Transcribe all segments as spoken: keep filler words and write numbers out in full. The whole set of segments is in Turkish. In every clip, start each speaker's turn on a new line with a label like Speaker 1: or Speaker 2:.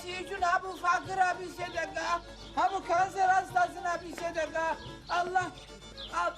Speaker 1: için ha bu fakire bir sedeka, ha bu kanser hastasına bir sedeka. Allah, al.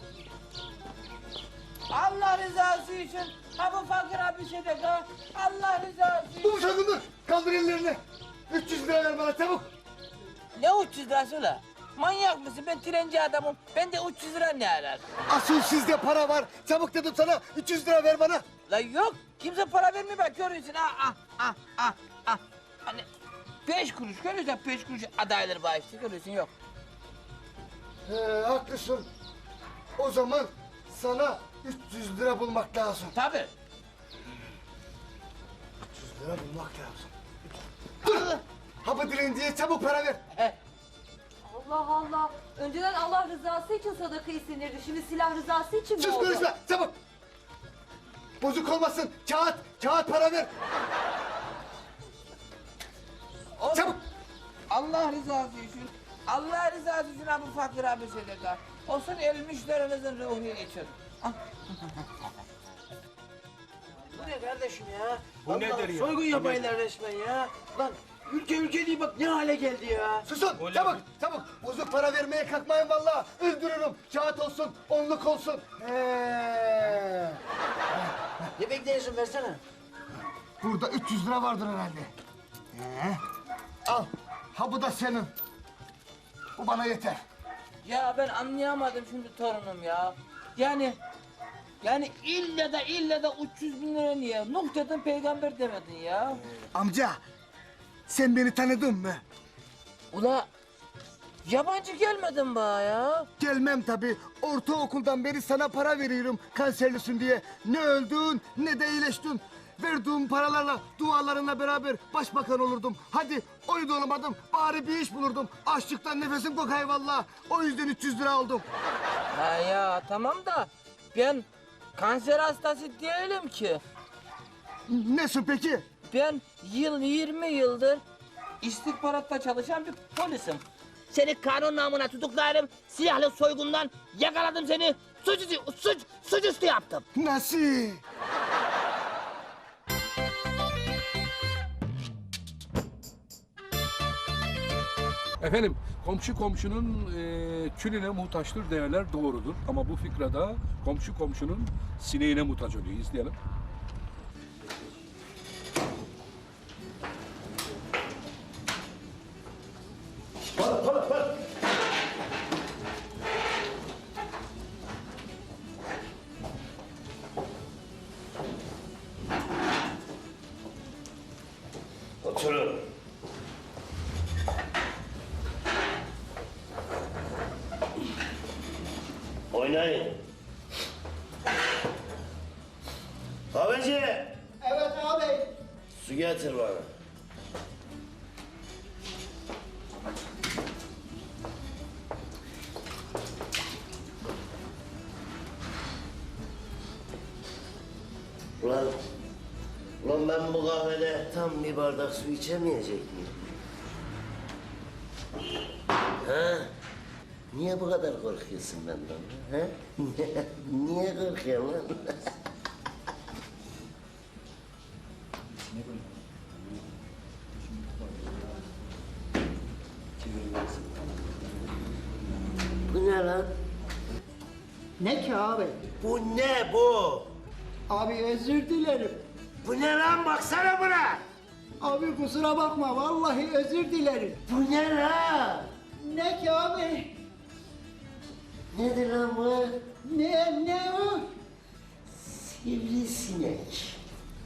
Speaker 1: Allah rızası için ha bu fakire bir sedeka. Allah rızası için.
Speaker 2: Dur sakın, kaldır ellerini. üç yüz lira ver bana çabuk.
Speaker 1: Ne üç yüz lirası ulan? Manyak mısın? Ben trenci adamım. Ben de üç yüz lira ne arar?
Speaker 2: Asıl sizde para var. Çabuk dedim sana, üç yüz lira ver bana.
Speaker 1: La yok. Kimse para vermiyor bak görüyorsun. Ah ah ah ah ah. Hani beş kuruş görüyorsun beş kuruş adayları bağıştı görüyorsun yok.
Speaker 2: He, haklısın. O zaman sana üç yüz lira bulmak lazım.
Speaker 1: Tabii.
Speaker 2: üç yüz lira bulmak lazım. Dur! Hapı dilenciye çabuk para ver.
Speaker 1: He.
Speaker 3: Allah Allah. Önceden Allah rızası için sadaka istenirdi. Şimdi silah rızası için mi
Speaker 2: Sus
Speaker 3: oldu?
Speaker 2: konuşma, çabuk. Bozuk olmasın, kağıt, kağıt para ver.
Speaker 1: Oğlum,
Speaker 2: Çabuk.
Speaker 1: Allah rızası için. Allah rızası için ha bu fakir abi sedeka. Olsun ölmüşlerinizin ruhu için. Ah.
Speaker 4: Bu ne kardeşim ya?
Speaker 5: Bu
Speaker 4: Allah,
Speaker 5: nedir ya?
Speaker 4: Soygun yapaylar resmen ya. Lan ülke ülke değil bak ne hale geldi ya.
Speaker 2: Susun, çabuk, çabuk. Bozuk para vermeye kalkmayın vallahi. Öldürürüm. Kağıt olsun, onluk olsun. He.
Speaker 4: Ne bekliyorsun versene.
Speaker 2: Burada üç yüz lira vardır herhalde. He. Al, ha bu da senin. Bu bana yeter.
Speaker 1: Ya ben anlayamadım şimdi torunum ya. Yani yani illa da illa da üç yüz bin lira niye? Nuh dedin peygamber demedin ya.
Speaker 2: Amca, sen beni tanıdın mı?
Speaker 1: Ula yabancı gelmedin bana ya.
Speaker 2: Gelmem tabii. Ortaokuldan beri sana para veriyorum kanserlisin diye. Ne öldün ne de iyileştin. Verdiğim paralarla, dualarınla beraber başbakan olurdum. Hadi onu da olamadım. Bari bir iş bulurdum. Açlıktan nefesim kokay vallahi. O yüzden üç yüz lira aldım.
Speaker 1: Ha ya tamam da ben kanser hastası değilim ki.
Speaker 2: Nesin peki?
Speaker 1: Ben yıl yirmi yıldır istihbaratta çalışan bir polisim. Seni kanun namına tutuklarım, silahlı soygundan yakaladım seni, suçüstü, suç, suçüstü yaptım.
Speaker 2: Nasıl?
Speaker 5: Efendim, komşu komşunun e, külüne muhtaçtır değerler doğrudur. Ama bu fikrada komşu komşunun sineğine muhtaç oluyor. İzleyelim.
Speaker 6: Oturun. Oynayın. Kahveci.
Speaker 4: Evet abi.
Speaker 6: Su getir bana. Ulan, ulan ben bu kahvede tam bir bardak su içemeyecek miyim? Ha? Niye bu kadar korkuyorsun benden? Ha? Niye korkuyorsun lan? Bu ne lan?
Speaker 4: Ne ki abi?
Speaker 6: Bu ne bu?
Speaker 4: Abi özür dilerim.
Speaker 6: Bu ne lan baksana buna?
Speaker 4: Abi kusura bakma vallahi özür dilerim.
Speaker 6: Bu ne lan?
Speaker 4: Ne ki abi?
Speaker 6: Nedir lan bu?
Speaker 4: Ne ne o?
Speaker 6: Sivrisinek.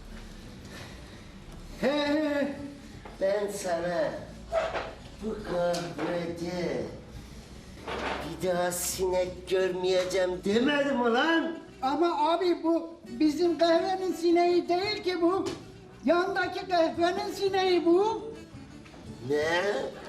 Speaker 4: He he.
Speaker 6: Ben sana bu kahvede bir daha sinek görmeyeceğim demedim mi lan?
Speaker 4: Ama abi bu bizim kahvenin sineği değil ki bu. Yandaki kahvenin sineği bu.
Speaker 6: Ne?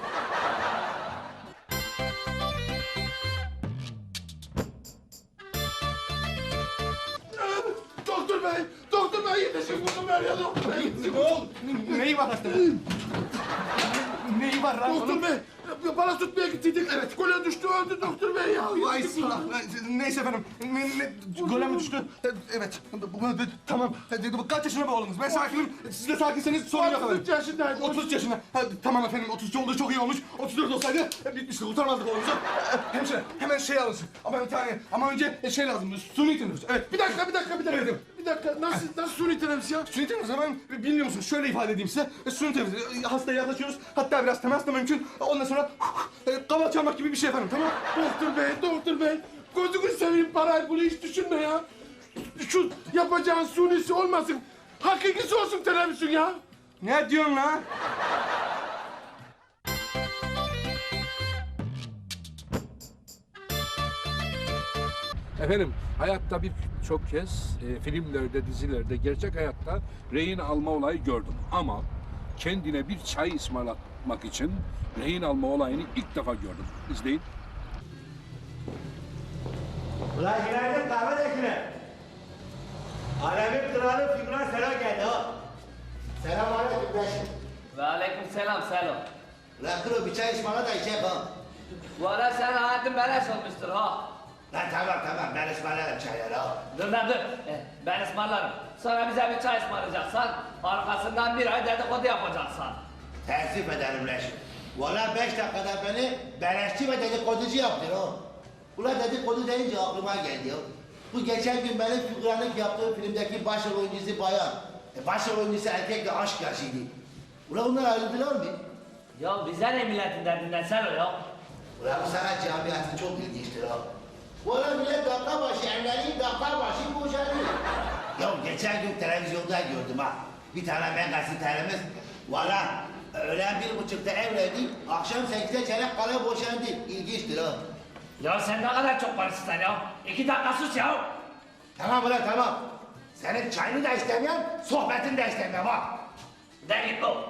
Speaker 2: Doktor bey, doktor bey yetişin bunu ver ya doktor bey.
Speaker 5: Ne oldu? Neyi var hasta? Neyi var lan?
Speaker 2: Doktor bey,
Speaker 7: bana tutmaya gittiydik. Evet. Gole düştü öldü doktor bey ya.
Speaker 2: Vay silah. Neyse efendim. Ne, ne, gole mi düştü? Evet. Bu- bu- Tamam. Bu kaç yaşında bu oğlunuz? Ben sakinim. Siz de sakinseniz sorun yok efendim.
Speaker 7: otuz üç yaşındaydı.
Speaker 2: otuz üç yaşında. Ha, tamam efendim. otuz üç olduğu çok iyi olmuş. otuz dört olsaydı bitmişti. Kurtarmazdık oğlumuzu. Hemşire hemen şey alınsın. Ama bir tane. Ama önce şey lazım. Suni teneffüs. Evet.
Speaker 7: Bir dakika, bir dakika, bir dakika.
Speaker 2: Evet.
Speaker 7: Bir dakika, nasıl, nasıl suni teneffüs ya?
Speaker 2: Suni teneffüs hemen bilmiyor musunuz? Şöyle ifade edeyim size. Suni teneffüs. Hastaya yaklaşıyoruz. Hatta biraz temas da mümkün. Ondan sonra kaval çalmak gibi bir şey efendim. Tamam.
Speaker 7: Doktor bey, doktor bey. Gözünü seveyim parayı, bunu hiç düşünme ya. Şu yapacağın sunisi olmasın. Hakikisi olsun teneffüsün ya.
Speaker 2: Ne diyorsun lan?
Speaker 5: Efendim hayatta birçok kez e, filmlerde, dizilerde, gerçek hayatta rehin alma olayı gördüm. Ama kendine bir çay ısmarlatmak için rehin alma olayını ilk defa gördüm. İzleyin.
Speaker 8: Ulan günaydın kahve döküne. Alemin kralı Figran Selo geldi ha.
Speaker 6: Selam aleyküm Reşit.
Speaker 1: Ve aleyküm selam Selo.
Speaker 6: Lan kuru bir çay ısmarla da içecek ha.
Speaker 1: Bu ara sen hayatın beleş olmuştur ha.
Speaker 6: Lan tamam tamam ben ısmarlarım çayları ha.
Speaker 1: Dur lan dur. Eh, ben ısmarlarım. Sonra bize bir çay ısmarlayacaksan, arkasından bir ay dedikodu yapacaksan.
Speaker 6: Teessüf ederim Reşit. Valla beş dakikada beni beleşçi ve dedikoducu yaptın ha. Ulan dedikodu deyince aklıma geldi ya. Bu geçen gün benim figüranlık yaptığım filmdeki başrol oyuncusu bayan. E, başrol oyuncusu erkekle aşk yaşıydı. Ulan bunlar ayrıldılar mı?
Speaker 1: Ya bize ne milletin derdinden Selo ya?
Speaker 6: Ulan bu sanat camiası çok ilginçtir ha. Valla millet dakika başı evleneyim, dakika başı boşanıyor. Ya geçen gün televizyonda gördüm ha. Bir tane ben gazetelerimiz. Valla öğlen bir buçukta evlendi, akşam sekizde çeyrek kala boşandı. İlginçtir ha.
Speaker 1: Ya sen ne kadar çok konuşsun ya. İki dakika sus ya.
Speaker 6: Tamam ulan tamam. Senin çayını da istemiyorum, sohbetini de istemiyorum ha.
Speaker 1: De git bu.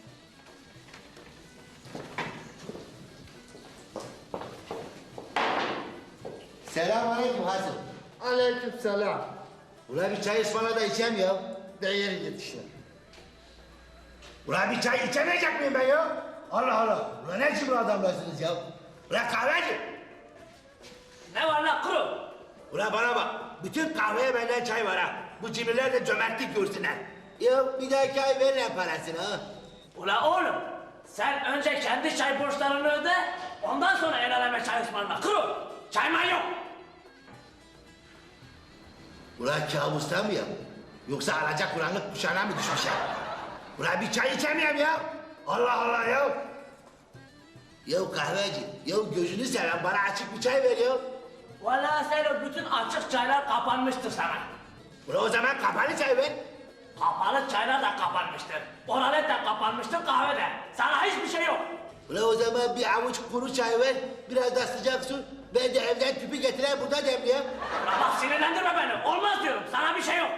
Speaker 6: Selamünaleyküm Hasan.
Speaker 4: Aleyküm selam.
Speaker 6: Ulan bir çay ısmarla da içeyim ya.
Speaker 4: Değer git işte.
Speaker 6: Ulan bir çay içemeyecek miyim ben ya? Allah Allah. Ulan ne biçim adamlarsınız ya? Ulan kahveci.
Speaker 1: Ne var lan kuru?
Speaker 6: Ulan bana bak. Bütün kahveye benden çay var ha. Bu cimriler de cömertlik görsünler. Ya bir dahaki ay verin parasını ha.
Speaker 1: Ula oğlum, sen önce kendi çay borçlarını öde, ondan sonra el aleme çay ısmarla. Kuru, çayman yok.
Speaker 6: Ulan kabusta mı ya? Yoksa alacak kuranlık kuşağına mı düşmüş ya? Ulan bir çay içemiyorum ya. Allah Allah ya. Ya kahveci, ya gözünü seven bana açık bir çay ver ya.
Speaker 1: Valla sen o bütün açık çaylar kapanmıştır sana.
Speaker 6: Ulan o zaman kapalı çay ver.
Speaker 1: Kapalı çaylar da kapanmıştır. Oralet de kapanmıştır, kahve de. Sana hiçbir şey yok.
Speaker 6: Ulan o zaman bir avuç kuru çay ver, biraz da sıcak su. Ben de evden tüpü getireyim burada demleyeyim.
Speaker 1: Ulan bak sinirlendirme beni. Olmaz diyorum, sana bir şey yok.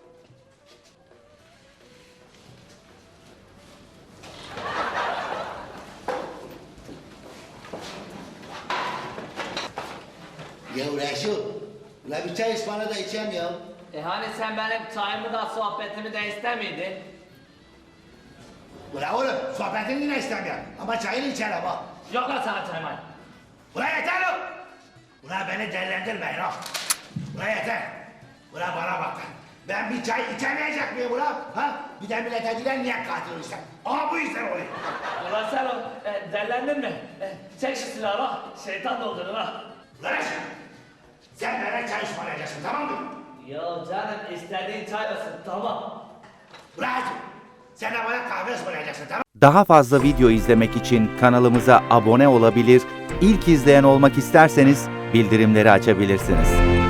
Speaker 6: Ya Reşo, ulan bir çay ısmarla da içeyim ya.
Speaker 1: E hani sen benim çayımı da sohbetimi de istemiydin?
Speaker 6: Ulan oğlum, sohbetini yine istemiyorum. Ama çayını içerim ha.
Speaker 1: Yok lan sana çayman.
Speaker 6: Ulan yeter lan! Ulan beni delilendirmeyin ha. Ulan yeter. Ulan bana bak lan. Ben bir çay içemeyecek miyim ulan? Ha? Bir de millete diler niye katil olursan? Aha bu yüzden oluyor.
Speaker 1: Ulan sen o, e, derlendin mi? E, çek şu silahı ha, şeytan doldurur ha.
Speaker 6: Ulan Reşo, sen bana çay ısmarlayacaksın tamam mı?
Speaker 1: Ya canım istediğin çay olsun, tamam.
Speaker 6: Ulan Reşo, sen de bana kahve ısmarlayacaksın tamam mı?
Speaker 9: Daha fazla video izlemek için kanalımıza abone olabilir, ilk izleyen olmak isterseniz bildirimleri açabilirsiniz.